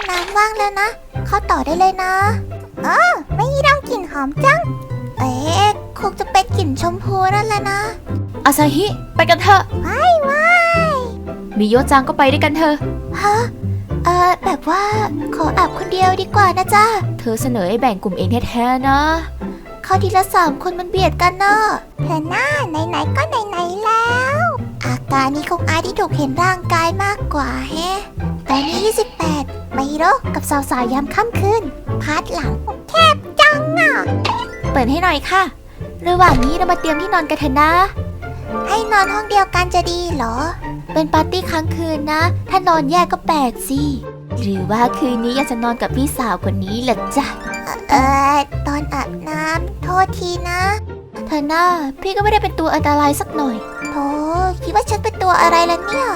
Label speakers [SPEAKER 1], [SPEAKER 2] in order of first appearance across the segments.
[SPEAKER 1] น้ำว่างแล้วนะเข้าต่อได้เลยนะไม่มีเรากลิ่นหอมจังคงจะเป็นกลิ่นชมพูนั่นแหละนะ
[SPEAKER 2] อาซาฮิไปกันเถอะ
[SPEAKER 1] ว้าย
[SPEAKER 2] มิโยะจังก็ไปด้วยกันเถอะ
[SPEAKER 1] ฮะแบบว่าขออาบคนเดียวดีกว่านะจ๊ะ
[SPEAKER 2] เธอเสนอให้แบ่งกลุ่มเองแท้ๆนะ
[SPEAKER 1] เข้าทีละ3 คนมันเบียดกันเนอะเธอหน้าไหนๆก็ไหนๆแล้วอาการนี้คงอายที่ถูกเห็นร่างกายมากกว่าแฮะตอนนี้28มาฮิโร่กับสาวๆยามค่ำคืนพาร์ทหลังแคบจังอ่ะ
[SPEAKER 2] เปิดให้หน่อยค่ะระหว่างนี้เรามาเตรียมที่นอนกันเถอะนะ
[SPEAKER 1] ให้นอนห้องเดียวกันจะดีเหรอ
[SPEAKER 2] เป็นปาร์ตี้ค้างคืนนะถ้านอนแยกก็แปลกสิหรือว่าคืนนี้อยากจะนอนกับพี่สาวคนนี้ล่ะจ๊ะ
[SPEAKER 1] ตอนอาบน้ำโทษทีนะ
[SPEAKER 2] เธอหน้าพี่ก็ไม่ได้เป็นตัวอันตรายสักหน่อย
[SPEAKER 1] โธ่คิดว่าฉันเป็นตัวอะไรล่ะเนี่ย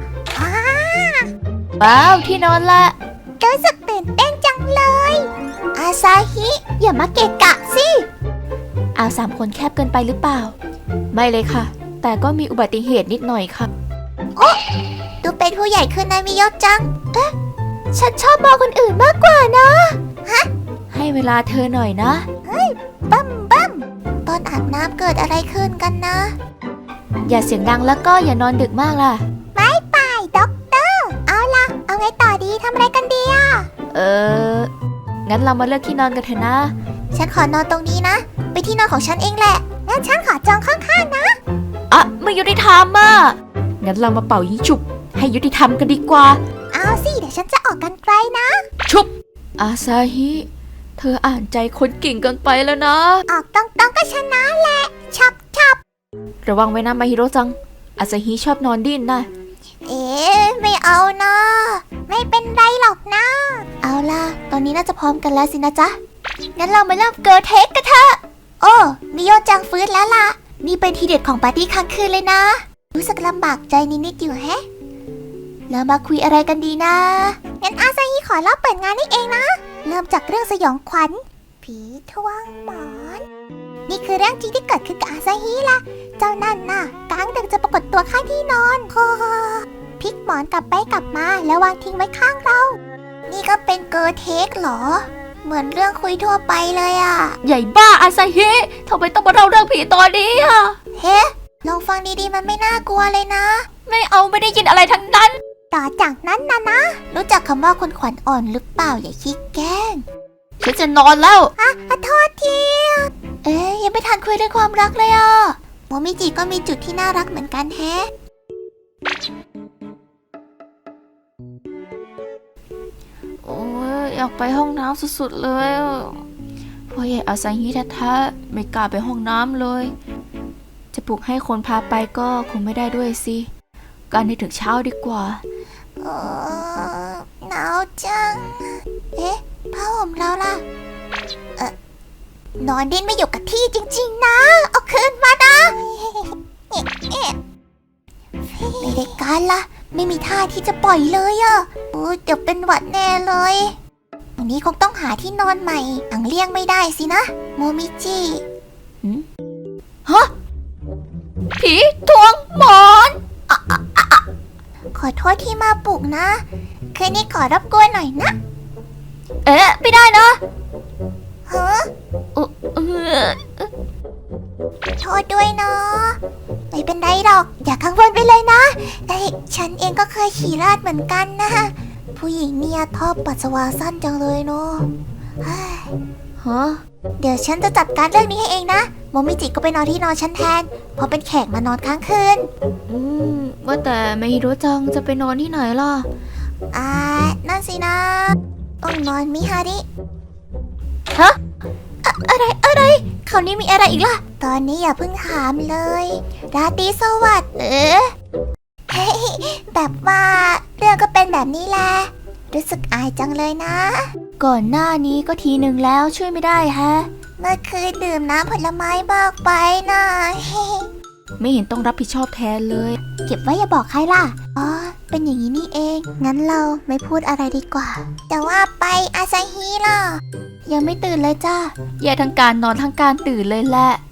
[SPEAKER 2] ว้าวที่นอนละ
[SPEAKER 1] รู้สึกตื่นเต้นจังเลยอาซาฮิอย่ามาเกะกะสิ
[SPEAKER 2] เอา3 คนแคบเกินไปหรือเปล่าไม่เลยค่ะแต่ก็มีอุบัติเหตุนิดหน่อยค่ะ
[SPEAKER 1] โอ้ดูเป็นผู้ใหญ่ขึ้นนะมิโยะจัง
[SPEAKER 2] ฉันชอบมองคนอื่นมากกว่านะฮะให้เวลาเธอหน่อยนะ
[SPEAKER 1] บัมตอนอาบน้ำเกิดอะไรขึ้นกันนะ
[SPEAKER 2] อย่าเสียงดังแล้วก็อย่านอนดึกมากล่ะ
[SPEAKER 1] ไม่ไปด็อกเตอร์เอาล่ะเอาไงต่อดีทำอะไรกันดีอ่ะ
[SPEAKER 2] งั้นเรามาเลือกที่นอนกันเถอะนะ
[SPEAKER 1] ฉันขอนอนตรงนี้นะไปที่นอนของฉันเองแหละงั้นฉันขอจองข้างๆนะ
[SPEAKER 2] ไม่ยุติธรรมอ่ะงั้นเรามาเป่ายิงฉุบให้ยุติธรรมกันดีกว่า
[SPEAKER 1] เอาสิเดี๋ยวฉันจะออกกันไกลนะ
[SPEAKER 2] ชุบอาซาฮิเธออ่านใจคนเก่งเกินไปแล้วนะ
[SPEAKER 1] ออกตรงๆก็ชนะแหละชับ
[SPEAKER 2] ระวังไว้นะมาฮิโร่จังอาซาฮิชอบนอนดิ้นนะ
[SPEAKER 1] ไม่เอานะไม่เป็นไรหรอกนะเอาล่ะตอนนี้น่าจะพร้อมกันแล้วสินะจ๊ะงั้นเรามาเริ่มเกิร์ลเทคกันเถอะโอ้มิโยะจังฟื้นแล้วล่ะนี่เป็นทีเด็ดของปาร์ตี้ค้างคืนเลยนะรู้สึกลำบากใจนิดๆอยู่แฮะเรามาคุยอะไรกันดีนะงั้นอาซาฮิขอเล่าเปิดงานนี่เองนะเริ่มจากเรื่องสยองขวัญผีทวงหมอนนี่คือเรื่องจริงที่เกิดขึ้นกับอาซาฮิล่ะเจ้านั่นน่ะกลางดึกจะปรากฏตัวข้างที่นอนพลิกหมอนกลับไปกลับมาแล้ววางทิ้งไว้ข้างเรานี่ก็เป็นเกิร์ลเทคเหรอเหมือนเรื่องคุยทั่วไปเลยอ่ะ
[SPEAKER 2] ใหญ่บ้าอาซาฮิทำไมต้องมาเล่าเรื่องผีตอนนี้อ่ะ
[SPEAKER 1] ลองฟังดีๆมันไม่น่ากลัวเลยนะ
[SPEAKER 2] ไม่ได้ยินอะไรทั้งนั้น
[SPEAKER 1] ต่อจากนั้นนะรู้จักคำว่าคนขวัญอ่อนหรือเปล่าอย่าขี้แกล้ง
[SPEAKER 2] ฉันจะนอนแล้ว
[SPEAKER 1] โทษทียังไม่ทันคุยเรื่องความรักเลยอ่ะโมมิจิก็มีจุดที่น่ารักเหมือนกันแฮะ
[SPEAKER 2] โอ้ยอยากไปห้องน้ำสุดๆเลยพ่อใหญ่อาซาฮิแท้ๆไม่กล้าไปห้องน้ำเลยจะปลุกให้คนพาไปก็คงไม่ได้ด้วยสิการให้ถึงเช้าดีกว่า
[SPEAKER 1] หนาวจังผ้าห่มเราล่ะนอนดิ้นไม่อยู่กับที่จริงๆนะเอาคืนมานะไม่ได้การละไม่มีท่าที่จะปล่อยเลยอ่ะเดี๋ยวเป็นหวัดแน่เลยวันนี้คงต้องหาที่นอนใหม่อังเลี่ยงไม่ได้สินะโมมิจิ
[SPEAKER 2] ฮะผีทวงหมอน
[SPEAKER 1] ขอโทษที่มาปลุกนะคืนนี้ขอรบกวนหน่อยนะ
[SPEAKER 2] ไม่ได้นะ
[SPEAKER 1] โทษด้วยเนาะไม่เป็นไรหรอกอย่ากังวลไปเลยนะฉันเองก็เคยขี่ราดเหมือนกันนะผู้หญิงเนี่ยชอบปัสสาวะสั้นจังเลยเนาะเดี๋ยวฉันจะจัดการเรื่องนี้ให้เองนะโมมิจิก็ไปนอนที่นอนฉันแทนเพราะเป็นแขกมานอนค้างคืน
[SPEAKER 2] ว่าแต่ไม่รู้จังจะไปนอนที่ไหนล่ะ
[SPEAKER 1] นั่นสินะต้องนอนมิฮาริ
[SPEAKER 2] อะไรคราวนี้มีอะไรอีกล่ะ
[SPEAKER 1] ตอนนี้อย่าเพิ่งถามเลยราตรีสวัสดิ์แบบว่าเรื่องก็เป็นแบบนี้แหละรู้สึกอายจังเลยนะ
[SPEAKER 2] ก่อนหน้านี้ก็ทีหนึ่งแล้วช่วยไม่ได้ฮะ
[SPEAKER 1] เมื่อคืนดื่มน้ำผลไม้มากไปนะ
[SPEAKER 2] ไม่เห็นต้องรับผิดชอบแทนเลย
[SPEAKER 1] เก็บไว้อย่าบอกใครล่ะเป็นอย่างนี้นี่เองงั้นเราไม่พูดอะไรดีกว่าแต่ว่าไปอาซาฮิล่ะ
[SPEAKER 2] ยังไม่ตื่นเลยจ้าแย่ทั้งการนอนทั้งการตื่นเลยแหละ